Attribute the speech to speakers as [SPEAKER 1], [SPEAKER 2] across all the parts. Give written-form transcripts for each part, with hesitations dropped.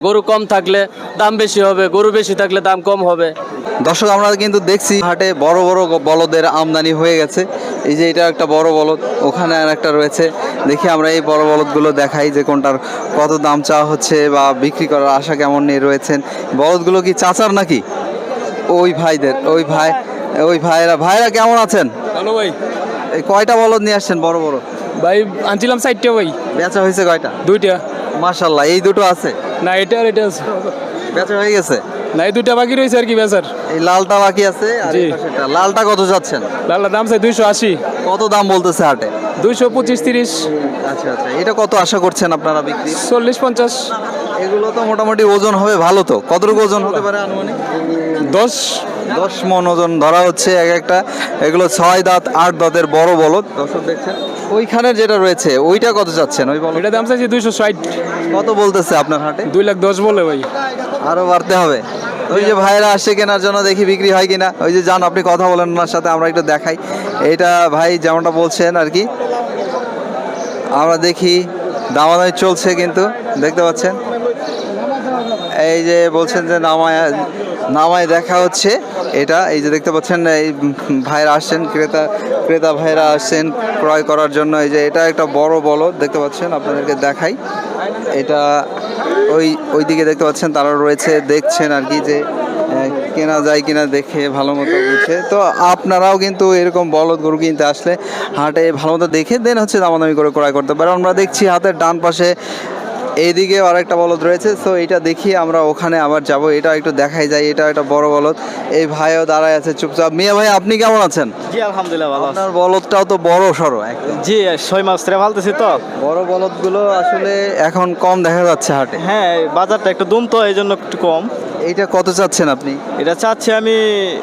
[SPEAKER 1] গরু কম থাকলে দাম বেশি হবে, গরু বেশি থাকলে দাম কম হবে।
[SPEAKER 2] দর্শক আমরা কিন্তু দেখছি হাটে বড় বড় বলদের আমদানি হয়ে গেছে। এই যে এটা একটা বড় বলদ, ওখানে আর একটা রয়েছে। দেখি আমরা এই বড় বলদগুলো দেখাই যে কোনটার কত দাম চাওয়া হচ্ছে বা বিক্রি করার আশা কেমন নিয়ে রয়েছেন। বলদগুলো কি চাচার নাকি? ওই ভাইদের, ওই ভাইরা কেমন আছেন?
[SPEAKER 1] হ্যালো ভাই।
[SPEAKER 2] এই কয়টা বলদ নিয়ে আসছেন বড় বড়?
[SPEAKER 1] ভাই আনছিলাম 4টা ভাই।
[SPEAKER 2] বেচা হয়েছে কয়টা?
[SPEAKER 1] 2টা।
[SPEAKER 2] মাশাআল্লাহ, এই দুটো আছে?
[SPEAKER 1] না এটা আর এটা আছে।
[SPEAKER 2] বেচা হয়ে গেছে?
[SPEAKER 1] না এই 2টা বাকি রয়েছে আর কি বেচার।
[SPEAKER 2] এই লালটা বাকি আছে আর
[SPEAKER 1] জি।
[SPEAKER 2] এই পাশেরটা। লালটা কত যাচ্ছেন?
[SPEAKER 1] লাল্লা দাম চাই 280।
[SPEAKER 2] কত দাম বলতেছে হাটে?
[SPEAKER 1] 225 30
[SPEAKER 2] আচ্ছা আচ্ছা, এটা কত আশা করছেন আপনারা বিক্রি?
[SPEAKER 1] 40 50
[SPEAKER 2] এগুলো তো মোটামুটি ওজন হবে ভালো তো। কতটুকু ওজন হতে পারে আনুমানিক?
[SPEAKER 1] 10।
[SPEAKER 2] 10 মণ ওজন ধরা হচ্ছে এক একটা। এগুলো 6 দাঁত 8 দাঁতের বড় বলদ। দর্শক দেখছেন ওইখানের যেটা রয়েছে ওইটা কত যাচ্ছেন? ওই বলদ
[SPEAKER 1] এটা দাম চাইছি 260।
[SPEAKER 2] কত বলতেছে আপনার হাটে?
[SPEAKER 1] 210 বলে ভাই।
[SPEAKER 2] আরো বাড়তে হবে। ওই যে ভাইরা আসছে কেনার জন্য, দেখি বিক্রি হয় কিনা। ওই যে যান, আপনি কথা বলেন ওনার সাথে, আমরা একটু দেখাই। এইটা ভাই যেমনটা বলছেন আর কি, আমরা দেখি দামাদামি চলছে কিন্তু দেখতে পাচ্ছেন। এই যে বলছেন যে নামায় দেখা হচ্ছে এটা। এই যে দেখতে পাচ্ছেন এই ভাইরা আসছেন, ক্রেতা ভাইরা আসছেন ক্রয় করার জন্য। এই যে এটা একটা বড় বলদ দেখতে পাচ্ছেন, আপনাদেরকে দেখাই। এটা ওইদিকে দেখতে পাচ্ছেন তারা রয়েছে, দেখছেন আর কি যে কেনা যায় কিনা দেখে ভালো মতো বুঝে। তো আপনারাও কিন্তু এরকম বলদ গরু কিনতে আসলে হাটে ভালো মতো দেখে দেন হচ্ছে দামাদামি করে ক্রয় করতে পারে। আমরা দেখছি হাতের ডান পাশে এইদিকে আরেকটা বলদ রয়েছে। তো এটা দেখি আমরা ওখানে আবার যাব। এটা একটু দেখাই যায়। এটা একটা বড় বলদ। এই ভাইও দাঁড়ায় আছে চুপচাপ। মিয়া ভাই, আপনি কেমন আছেন?
[SPEAKER 3] জি আলহামদুলিল্লাহ ভালো আছি।
[SPEAKER 2] আপনার বলদটাও তো বড় সড়ো একদম।
[SPEAKER 3] জি 6 মাস ধরে ভালতেছি তো।
[SPEAKER 2] বড় বলদগুলো আসলে এখন কম দেখা যাচ্ছে হাটে।
[SPEAKER 3] হ্যাঁ বাজারটা একটু দুম তো এই জন্য একটু কম।
[SPEAKER 2] এইটা কত চাচ্ছেন আপনি?
[SPEAKER 3] এটা চাচ্ছি আমি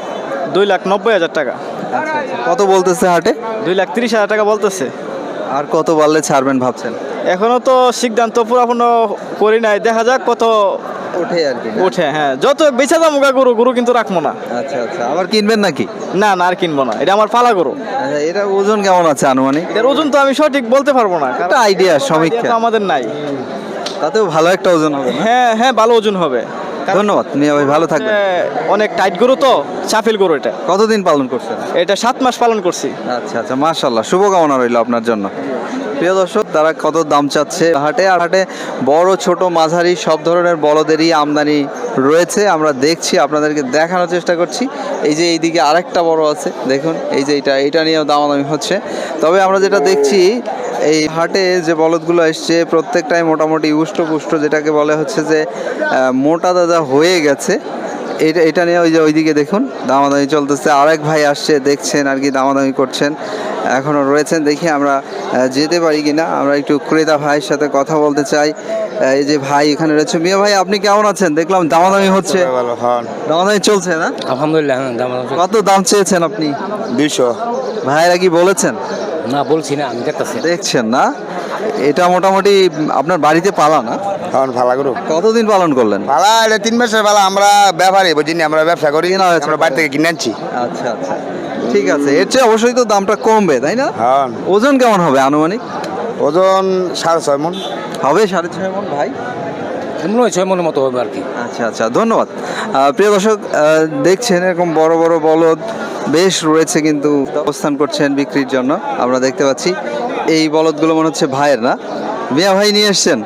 [SPEAKER 3] 2,90,000 টাকা।
[SPEAKER 2] আচ্ছা আচ্ছা, কত বলতেছে হাটে?
[SPEAKER 3] 2,30,000 টাকা বলতেছে।
[SPEAKER 2] আর কত বাড়লে ছাড়বেন ভাবছেন?
[SPEAKER 3] এখনো তো সিদ্ধান্ত পুরাপূর্ণ করি নাই, দেখা যাক কত
[SPEAKER 2] ওঠে আর কি।
[SPEAKER 3] ওঠে। হ্যাঁ যত বেচা দাম গরু কিন্তু রাখবো না।
[SPEAKER 2] আচ্ছা আচ্ছা, আবার কিনবেন নাকি?
[SPEAKER 3] না না আর কিনবো না, এটা আমার পালা গরু।
[SPEAKER 2] আচ্ছা, এটা ওজন কেমন আছে আনুমানিক?
[SPEAKER 3] এটার ওজন তো আমি সঠিক বলতে পারবো না, কারণ
[SPEAKER 2] একটা আইডিয়া, সমীক্ষা
[SPEAKER 3] idea তো আমাদের নাই।
[SPEAKER 2] তাতেও ভালো একটা ওজন হবে না?
[SPEAKER 3] হ্যাঁ হ্যাঁ ভালো ওজন হবে।
[SPEAKER 2] ধন্যবাদ মিয়া ভাই, ভালো থাকবেন।
[SPEAKER 3] অনেক টাইট গরু তো, চাপিল গরু এটা।
[SPEAKER 2] কতদিন পালন করছেন?
[SPEAKER 3] এটা 7 মাস পালন করছি।
[SPEAKER 2] আচ্ছা আচ্ছা, মাশাআল্লাহ, শুভকামনা রইল আপনার জন্য। প্রিয় দর্শক, তারা কত দাম চাচ্ছে হাটে? আর হাটে বড় ছোট মাঝারি সব ধরনের বলদেরই আমদানি রয়েছে। আমরা দেখছি, আপনাদেরকে দেখানোর চেষ্টা করছি। এই যে এইদিকে আরেকটা বড় আছে, দেখুন। এই যে এটা নিয়েও দামাদামি হচ্ছে। তবে আমরা যেটা দেখছি, এই হাটে যে বলদগুলো এসছে প্রত্যেকটাই মোটামুটি উষ্টপুষ্ট, যেটাকে বলে হচ্ছে যে মোটা দাদা হয়ে গেছে। এটা নিয়ে ওই যে ওইদিকে দেখুন দামাদামি চলতেছে। আরেক ভাই আসছে, দেখছেন আর কি, দামাদামি করছেন, এখনও রয়েছেন। দেখি আমরা যেতে পারি কিনা। আমরা একটু ক্রেতা ভাইয়ের সাথে কথা বলতে চাই। এই যে ভাই এখানে রয়েছে। মিয়া ভাই, আপনি কেমন আছেন? দেখলাম দামাদামি হচ্ছে, দামাদামি চলছে না?
[SPEAKER 1] আলহামদুলিল্লাহ। দাম
[SPEAKER 2] কত দাম চেয়েছেন আপনি?
[SPEAKER 4] 200।
[SPEAKER 2] ভাইরা কি বলেছেন?
[SPEAKER 1] না বলছি না, আমি দেখতেছি।
[SPEAKER 2] দেখছেন না? এটা মোটামুটি আপনার বাড়িতে পালা না?
[SPEAKER 4] এখন ভালো করো
[SPEAKER 2] কতদিন পালন করলেন?
[SPEAKER 4] ভালো, এটা 3 মাসের ভালো। আমরা ব্যাপারী বুঝিনি, আমরা ব্যবসা করি
[SPEAKER 2] কেনা হয়েছে।
[SPEAKER 4] আমরা বাড়ি থেকে কিনে আনছি।
[SPEAKER 2] আচ্ছা আচ্ছা, ঠিক আছে। এর চেয়ে অবশ্যই তো দামটা কমবে, তাই না?
[SPEAKER 4] হ্যাঁ
[SPEAKER 2] ওজন কেমন হবে আনুমানিক?
[SPEAKER 4] ওজন 6.5 মণ
[SPEAKER 2] হবে 6.5 মণ ভাই?
[SPEAKER 1] মনে হয় 6 মনের মতো হবে আর কি।
[SPEAKER 2] আচ্ছা আচ্ছা, ধন্যবাদ। প্রিয় দর্শক, দেখছেন এরকম বড় বড় বলদ বেশ রয়েছে, কিন্তু অবস্থান করছেন বিক্রির জন্য। আমরা দেখতে পাচ্ছি এই বলদগুলো মনে হচ্ছে ভাইয়ের, না? মিয়া ভাই নিয়ে এসছেন?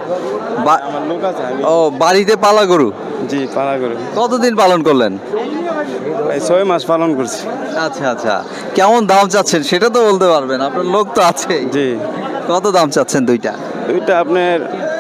[SPEAKER 2] ও, বাড়িতে পালা গরু?
[SPEAKER 5] জি পালা করে
[SPEAKER 2] কতদিন পালন করলেন?
[SPEAKER 5] 6 মাস পালন করছি।
[SPEAKER 2] আচ্ছা আচ্ছা, কেমন দাম চাচ্ছেন সেটা তো বলতে পারবেন, আপনার লোক তো আছে।
[SPEAKER 5] জি
[SPEAKER 2] কত দাম চাচ্ছেন দুইটা?
[SPEAKER 5] দুইটা আপনার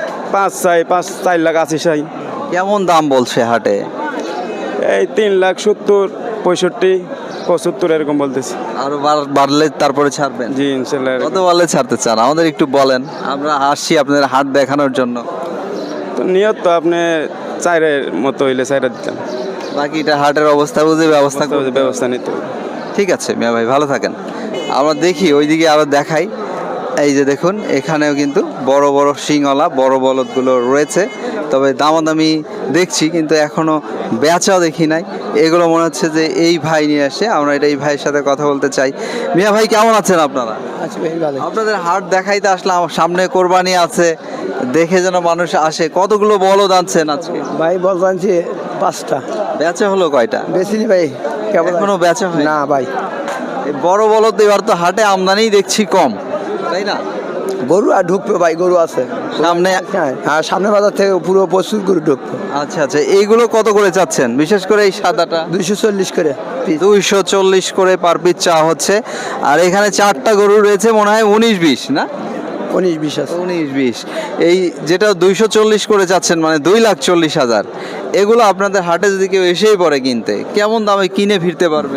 [SPEAKER 5] 4 লাখ 80 চাই।
[SPEAKER 2] কেমন দাম বলছে হাটে?
[SPEAKER 5] এই 3,70,000 65 75 এরকম বলতেছি।
[SPEAKER 2] আরো বাড়লে তারপরে ছাড়বেন?
[SPEAKER 5] জি ইনশাল্লাহ।
[SPEAKER 2] কত বাড়লে ছাড়তে চান আমাদের একটু বলেন, আমরা আসছি আপনাদের হাট দেখানোর জন্য।
[SPEAKER 5] তো নিয়ত তো আপনি 4-এর মতো হইলে 4 দিতাম,
[SPEAKER 2] বাকিটা হাটের অবস্থা বুঝে ব্যবস্থা করতে হবে।
[SPEAKER 5] ব্যবস্থা নিতে হবে।
[SPEAKER 2] ঠিক আছে মিয়া ভাই, ভালো থাকেন। আমরা দেখি ওইদিকে আরো দেখাই। এই যে দেখুন, এখানেও কিন্তু বড় বড় শিংওয়ালা বড় বলদগুলো রয়েছে। তবে দামাদামি দেখছি কিন্তু এখনো বেচাও দেখি নাই। এগুলো মনে হচ্ছে যে এই ভাই নিয়ে আসে, আমরা এটা এই ভাইয়ের সাথে কথা বলতে চাই। মিয়া ভাই কেমন আছেন আপনারা?
[SPEAKER 3] আচ্ছা ভাই ভালো।
[SPEAKER 2] আপনাদের হাট দেখাইতে আসলাম, সামনে কোরবানি আছে, দেখে যেন মানুষ আসে। কতগুলো বলদ আনছেন আজকে?
[SPEAKER 3] ভাই বলছেন যে 5টা।
[SPEAKER 2] বেচা হলো কয়টা?
[SPEAKER 3] বেশিনি ভাই।
[SPEAKER 2] এখনো বেচা হয়
[SPEAKER 3] না ভাই।
[SPEAKER 2] এই বড় বলদ এবার তো হাটে আমদানি দেখছি কম, তাই না?
[SPEAKER 3] গরু আর ঢুকবে ভাই, গরু আছে
[SPEAKER 2] সামনে।
[SPEAKER 3] হ্যাঁ, সামনে বাজার থেকে পুরো প্রচুর গরু ঢুকবে।
[SPEAKER 2] আচ্ছা আচ্ছা, এইগুলো কত করে চাচ্ছেন? বিশেষ করে এই সাদাটা
[SPEAKER 3] 240 করে piece।
[SPEAKER 2] 240 করে পার পিস চাওয়া হচ্ছে। আর এখানে 4টা গরু রয়েছে, মনে হয় 19-20 না?
[SPEAKER 3] 19-20 আছে।
[SPEAKER 2] 19-20। এই যেটা 240 করে চাচ্ছেন, মানে 2,40,000, এগুলো আপনাদের হাটে যদি কেউ এসেই পড়ে কিনতে, কেমন দামে কিনে ফিরতে পারবে?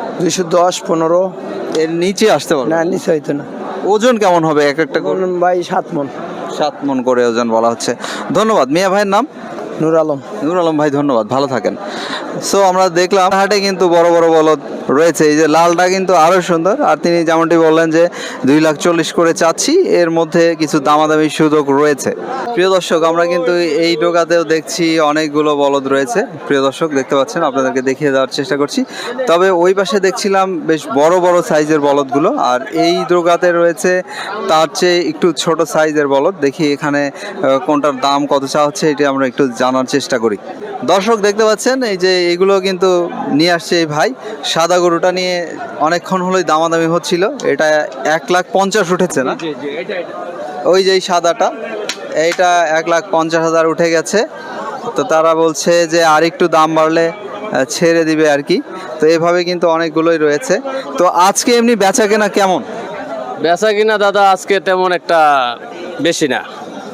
[SPEAKER 3] 210-15।
[SPEAKER 2] এর নিচে আসতে পারবে?
[SPEAKER 3] না, নিচে হইতো না।
[SPEAKER 2] ওজন কেমন হবে এক একটা গরু?
[SPEAKER 3] ভাই 7 মণ।
[SPEAKER 2] 7 মণ করে ওজন বলা হচ্ছে। ধন্যবাদ। মিয়া ভাইয়ের নাম?
[SPEAKER 3] নূর আলম।
[SPEAKER 2] নূর আলম ভাই, ধন্যবাদ, ভালো থাকেন। সো আমরা দেখলাম হাটে কিন্তু বড় বড় বলদ রয়েছে। এই যে লালটা কিন্তু আরো সুন্দর। আর তিনি যেমনটি বললেন যে 2,40,000 করে চাচ্ছি, এর মধ্যে কিছু দামাদামি সুযোগ রয়েছে। প্রিয় দর্শক, আমরা কিন্তু এই ডোকাতেও দেখছি অনেকগুলো বলদ রয়েছে। প্রিয় দর্শক দেখতে পাচ্ছেন, আপনাদেরকে দেখিয়ে দেওয়ার চেষ্টা করছি। তবে ওই পাশে দেখছিলাম বেশ বড় বড় সাইজের বলদগুলো, আর এই ডোকাতে রয়েছে তার চেয়ে একটু ছোট সাইজের বলদ। দেখি এখানে কোনটার দাম কত চা হচ্ছে, এটি আমরা একটু জানার চেষ্টা করি। দর্শক দেখতে পাচ্ছেন, এই যে এগুলো কিন্তু নিয়ে আসছে এই ভাই। সাদা গরুটা নিয়ে অনেকক্ষণ হলোই দামাদামি হচ্ছিল। এটা 1,50,000 উঠেছে না? ওই যে এই সাদাটা, এইটা 1,50,000 উঠে গেছে। তো তারা বলছে যে আর একটু দাম বাড়লে ছেড়ে দিবে আর কি। তো এভাবে কিন্তু অনেকগুলোই রয়েছে। তো আজকে এমনি বেচা কেনা কেমন?
[SPEAKER 1] বেচা কিনা দাদা আজকে তেমন একটা বেশি না।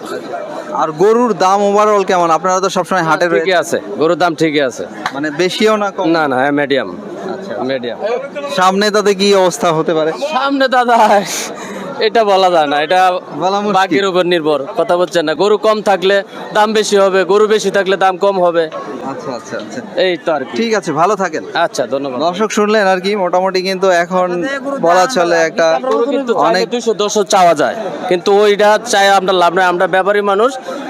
[SPEAKER 2] আর গরুর দাম ওভারঅল কেমন? আপনারা তো সবসময় হাটে
[SPEAKER 1] ঠিকই
[SPEAKER 2] রয়েছে,
[SPEAKER 1] আছে, গরুর দাম ঠিকই আছে।
[SPEAKER 2] মানে বেশিও না কম?
[SPEAKER 1] না না, মিডিয়াম। আচ্ছা, মিডিয়াম।
[SPEAKER 2] সামনে তাতে কি অবস্থা হতে পারে?
[SPEAKER 1] সামনে দাদা এটা বলা যায় না, এটা
[SPEAKER 2] বলা মুশকিল।
[SPEAKER 1] বাকির উপর নির্ভর। কথা বলছেন না, গরু কম থাকলে দাম বেশি হবে, গরু বেশি থাকলে দাম কম হবে।
[SPEAKER 2] আচ্ছা আচ্ছা আচ্ছা,
[SPEAKER 1] এই তো আর কি।
[SPEAKER 2] ঠিক আছে, ভালো থাকেন।
[SPEAKER 1] আচ্ছা, ধন্যবাদ।
[SPEAKER 2] দর্শক শুনলেন আর কি, মোটামুটি কিন্তু এখন বলা চলে একটা
[SPEAKER 1] গরু কিন্তু
[SPEAKER 2] অনেক
[SPEAKER 1] 200-210 চাওয়া যায়, কিন্তু ওইটা চাই আমরা লাভ নাই। আমরা ব্যাপারী মানুষ,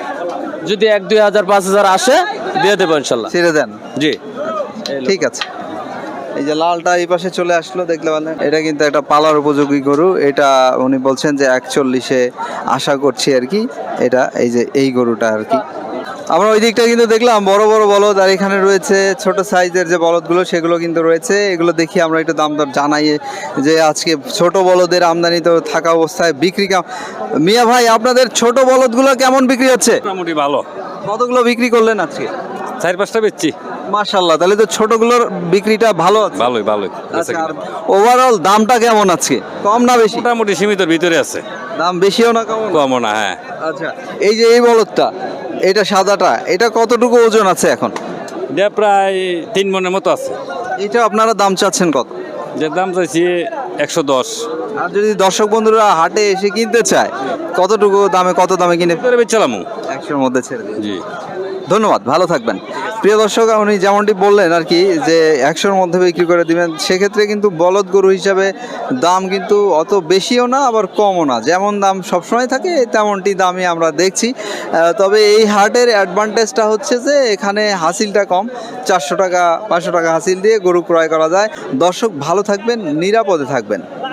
[SPEAKER 1] যদি 1-2,000-5,000 আসে দিয়ে দেবো ইনশাল্লাহ।
[SPEAKER 2] ছেড়ে দেন।
[SPEAKER 1] জি,
[SPEAKER 2] ঠিক আছে। এই যে লালটা এই পাশে চলে আসলো, দেখলে পারলেন, এটা কিন্তু একটা পালার উপযোগী গরু। এটা উনি বলছেন যে 140-এ আশা করছি আর কি। এটা এই যে এই গরুটা আর কি। আমরা ওই দিকটা কিন্তু দেখলাম বড় বড় বলদ, আর এখানে রয়েছে ছোট সাইজের যে বলদগুলো, সেগুলো কিন্তু রয়েছে। এগুলো দেখি আমরা একটু দাম দর জানাই যে আজকে ছোট বলদের আমদানি তো থাকা অবস্থায় বিক্রি মিয়া ভাই, আপনাদের ছোট বলদগুলো কেমন বিক্রি হচ্ছে?
[SPEAKER 5] মোটামুটি ভালো।
[SPEAKER 2] কতগুলো বিক্রি করলেন আজকে?
[SPEAKER 5] 4-5টা বেচছি।
[SPEAKER 2] মাশাআল্লাহ, তাহলে তো ছোটগুলোর বিক্রিটা ভালো আছে।
[SPEAKER 5] ভালোই ভালোই।
[SPEAKER 2] আচ্ছা, আর ওভারঅল দামটা কেমন আছে? কম না বেশি?
[SPEAKER 5] মোটামুটি সীমিতর ভিতরে আছে,
[SPEAKER 2] দাম বেশিও না কম?
[SPEAKER 5] কমও না। হ্যাঁ,
[SPEAKER 2] আচ্ছা, এই যে এই বলদটা, এটা সাদাটা, এটা কতটুকু ওজন আছে এখন?
[SPEAKER 5] এটা প্রায় 3 মণের মতো আছে।
[SPEAKER 2] এটা আপনারা দাম চাচ্ছেন কত?
[SPEAKER 5] যে দাম চাইছি 110।
[SPEAKER 2] আর যদি দর্শক বন্ধুরা হাটে এসে কিনতে চায়, কতটুকু দামে, কত দামে কিনে?
[SPEAKER 5] ভিতরে বেচলাম।
[SPEAKER 2] 100-র মধ্যে ছেড়ে দিন।
[SPEAKER 5] জি,
[SPEAKER 2] ধন্যবাদ, ভালো থাকবেন। প্রিয় দর্শক, উনি যেমনটি বললেন আর কি যে 100-র মধ্যে বিক্রি করে দিবেন। সেক্ষেত্রে কিন্তু বলদ গরু হিসাবে দাম কিন্তু অত বেশিও না, আবার কমও না। যেমন দাম সবসময় থাকে তেমনটি দামই আমরা দেখছি। তবে এই হাটের অ্যাডভান্টেজটা হচ্ছে যে এখানে হাসিলটা কম। 400 টাকা 500 টাকা হাসিল দিয়ে গরু ক্রয় করা যায়। দর্শক ভালো থাকবেন, নিরাপদে থাকবেন।